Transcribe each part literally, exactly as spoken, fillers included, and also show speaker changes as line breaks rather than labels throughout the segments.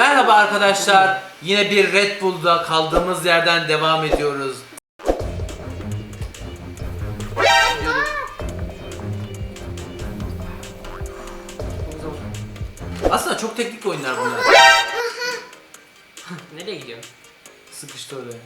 Merhaba arkadaşlar. Yine bir Red Bull'da kaldığımız yerden devam ediyoruz. Aslında çok teknik oyunlar bunlar.
Nereye gidiyorsun?
Sıkıştı oraya.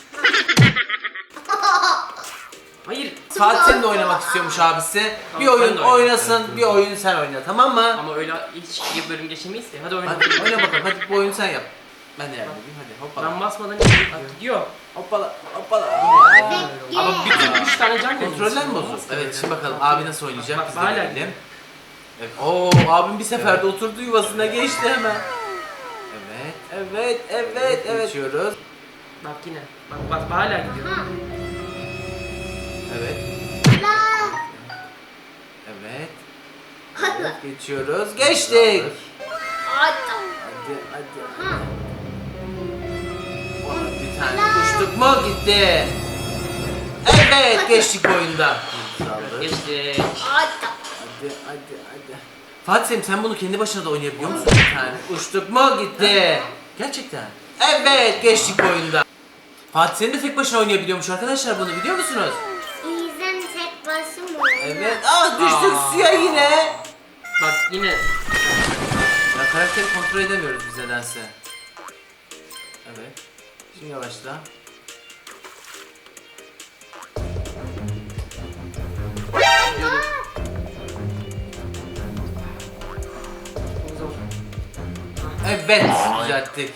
Hayır.
Fatih senin de oynamak istiyormuş abisi.
Tamam,
Bir
ben
oyun
de oynayayım.
oynasın, bir oyun sen oyna, tamam mı?
Ama öyle hiç bir bölüm geçemeyiz ki. Hadi oyna.
Hadi oyna bakalım, hadi bu oyunu sen yap. Ben de yardım edeyim, hadi hoppala.
Ben basmadan gidiyor. gidiyor.
Hoppala, hoppala.
Ama bütün üç tane can verin.
Kontroller mi bozuldu? Evet, şimdi bakalım abi nasıl oynayacak,
Bak,
biz de
hala
görelim.
gidiyor.
Evet. Oo, abim bir seferde oturdu yuvasına, geçti hemen. Evet, evet, evet, evet. Geçiyoruz.
Bak yine. Bak bak hala gidiyor.
Evet. Evet. Evet, geçiyoruz. Geçtik. Hadi, hadi, hadi. Ona bir tane uçtuk mu gitti. Evet, geçtik oyunda. Sağlık.
Geçti.
Hadi, hadi, hadi. Fatih Selim, sen bunu kendi başına da oynayabiliyor musun bir tane? Uçtuk mu gitti. Gerçekten. Evet, geçtik oyunda. Fatih Selim de tek başına oynayabiliyormuş arkadaşlar, bunu biliyor musunuz?
İzlen tek başım mı?
Evet. Ah, düştük
Aa.
suya yine.
Bak yine.
Ya karakteri kontrol edemiyoruz biz nedense. Evet. Şimdi yavaşla. Evet, düzelttik.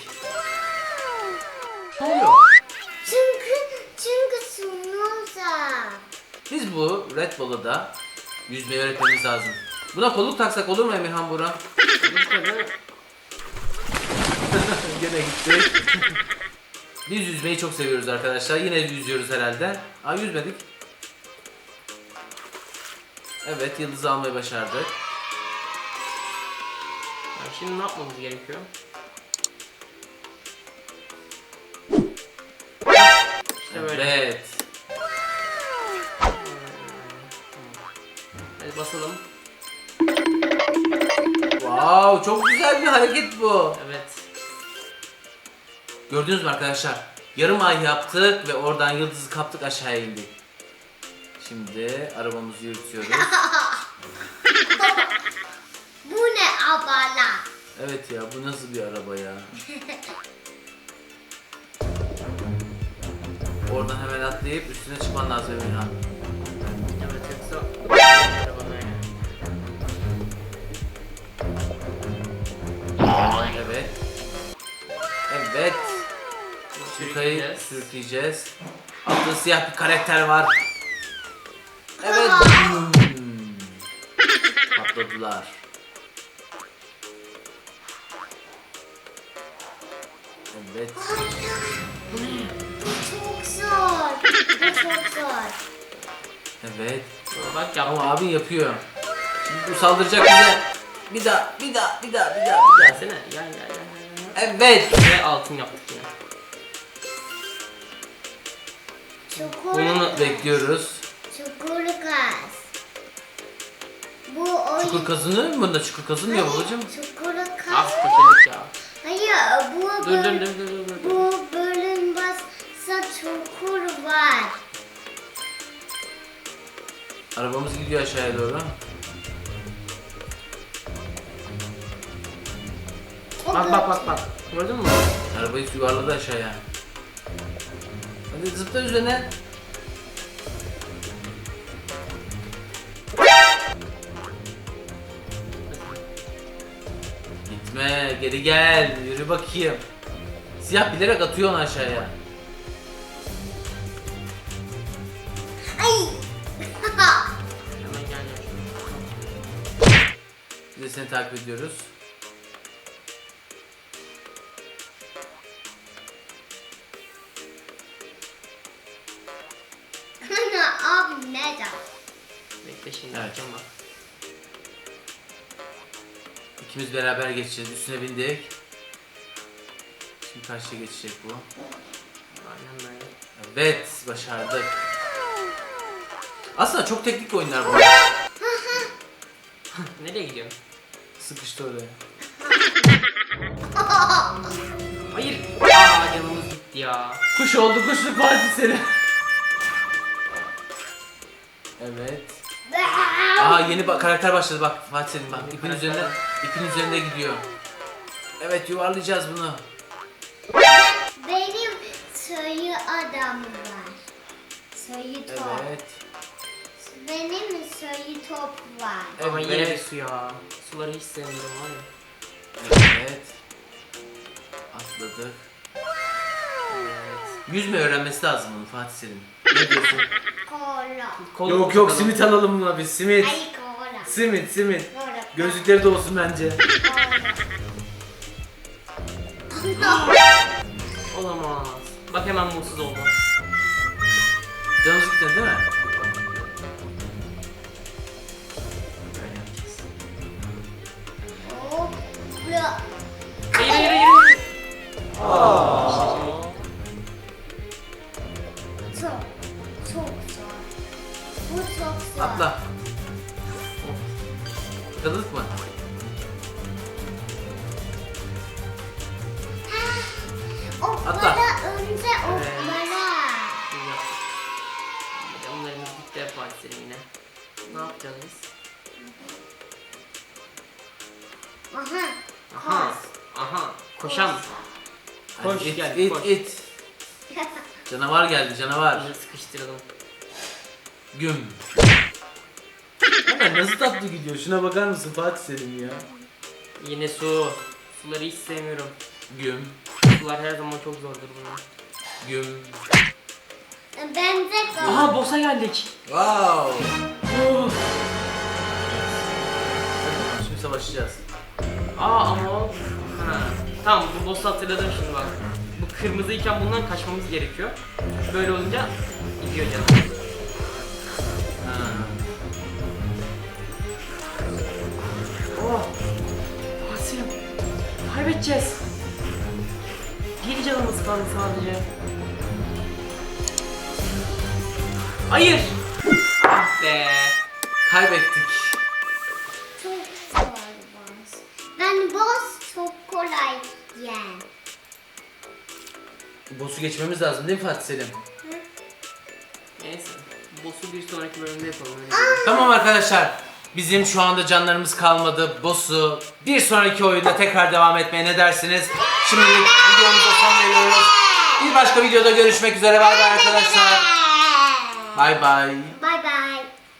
Ne oluyor?
Çünkü çünkü sunuyorsa.
Biz bu Red Bull'a da yüzmeyi öğretmemiz lazım. Buna kolluk taksak olur mu Emirhan Burak? Gene gittik. Biz yüzmeyi çok seviyoruz arkadaşlar. Yine yüzüyoruz herhalde. Aa, yüzmedik. Evet, yıldızı almayı başardık.
Yani şimdi ne yapmamız gerekiyor? İşte böyle.
Evet.
Hadi basalım.
Wow, çok güzel bir hareket bu.
Evet.
Gördünüz mü arkadaşlar? Yarım ay yaptık ve oradan yıldızı kaptık, aşağıya indik. Şimdi arabamızı yürütüyoruz.
Bu ne abala?
Evet ya, bu nasıl bir araba ya? Oradan hemen atlayıp üstüne çıkman lazım Emirhan.
Evet yoksa.
Evet. Evet. Sürükayı
Sürükleyeceğiz.
sürükleyeceğiz. Altta siyah bir karakter var. Evet. Hmm. Patladılar. Evet.
Çok zor. Bu çok zor.
Evet.
Bak yaptım.
Ama abi yapıyor. Şimdi bu saldıracak bize. Bir daha, bir daha, bir daha, bir daha, bir daha.
Gelsene. Gel gel gel. gel.
Evet.
Ve altın yaptık yine.
Çukur.
Bunu bekliyoruz.
Çukur kaz. Bu oyun.
Çukur kazınıyor mu bunda? Çukur kazınmıyor babacığım.
Çukur kaz.
Az fakirlik ya.
Hayır, bu
Dur dur dur dur dur. dur.
Bu bölüm bassa çukur var.
Arabamız gidiyor aşağıya doğru.
O
Bak bak bak bak. Gördün mü?
Arabayı yuvarladı aşağıya. Hadi zıpla üzerine. Gitme, geri gel, yürü bakayım. Siyah bilerek atıyor onu aşağıya.
Ay.
Hemen gel gel.
Biz de seni takip ediyoruz.
Abi nerede?
Bekle şimdi.
Evet.
Açacağım bak.
İkimiz beraber geçeceğiz. Üstüne bindik. Şimdi karşıya geçecek bu.
Aynen böyle.
Evet, başardık. Aslında çok teknik oyunlar bunlar.
Nereye gidiyorsun?
Sıkıştı oraya.
gitti ya.
Kuş oldu kuşluk Fatih Selim. Evet. Aa yeni ba- karakter başladı bak Fatih Selim bak ipin üzerinde ipin üzerinde gidiyor. Evet yuvarlayacağız bunu.
Benim sayı adam var. Sayı top.
Evet.
Benim sayı top var.
Ama yine bir
Evet.
su ya. Suları hiç sevmiyorum var ya.
Evet. Atladık. Evet. Yüzme öğrenmesi lazım bunu Fatih Selim. Ne diyorsun?
Kola.
Kol
yok yok simit alalım buna biz simit.
Ay kola.
Simit simit.
Kola.
Gözlükleri de olsun bence.
Olamaz. Bak hemen mutsuz oldum.
Canımız gitti değil mi? Böyle yapacağız.
Hopla.
Hayır hayır hayır.
Çok. Çok zor. Bu çok zor.
Atla. Atladık mı?
Oklara önce oklara.
Şimdi yaptık. Bir de onlarımız bitti Fatih Selim yine. Ne yapacağız biz?
Aha.
Aha. Aha. Koşan. Koş
Hadi it,
gel
it,
koş.
it. Canavar geldi canavar.
Bunu sıkıştıralım.
Güm. Ama nasıl tatlı gidiyor? Şuna bakar mısın Fatih Selim ya?
Yine su. Suları hiç sevmiyorum.
Güm.
Sular her zaman çok zordur bunlar.
Güm.
Ben de
Aha boss'a geldik.
Wow.
Oh.
Hadi şimdi savaşacağız.
Aa ama o... Ha. Tamam bu boss'u hatırladım şimdi bak. Bu kırmızıyken bundan kaçmamız gerekiyor. Böyle olunca gidiyor canım.
Ha.
Oh! Asim! Kaybedeceğiz. Bir canımız kaldı sadece. Hayır! Ah be!
Kaybettik.
çok zor boss. Ben boss çok kolay yen.
Boss'u geçmemiz lazım değil mi Fatih Selim?
Neyse. Boss'u bir sonraki bölümde yapalım. öyle diyeyim.
Tamam arkadaşlar. Bizim şu anda canlarımız kalmadı. Boss'u bir sonraki oyunda tekrar devam etmeye ne dersiniz? Şimdilik videomuza son veriyoruz. Bir başka videoda görüşmek üzere. Bay bay arkadaşlar. Bay bay.
Bye bye.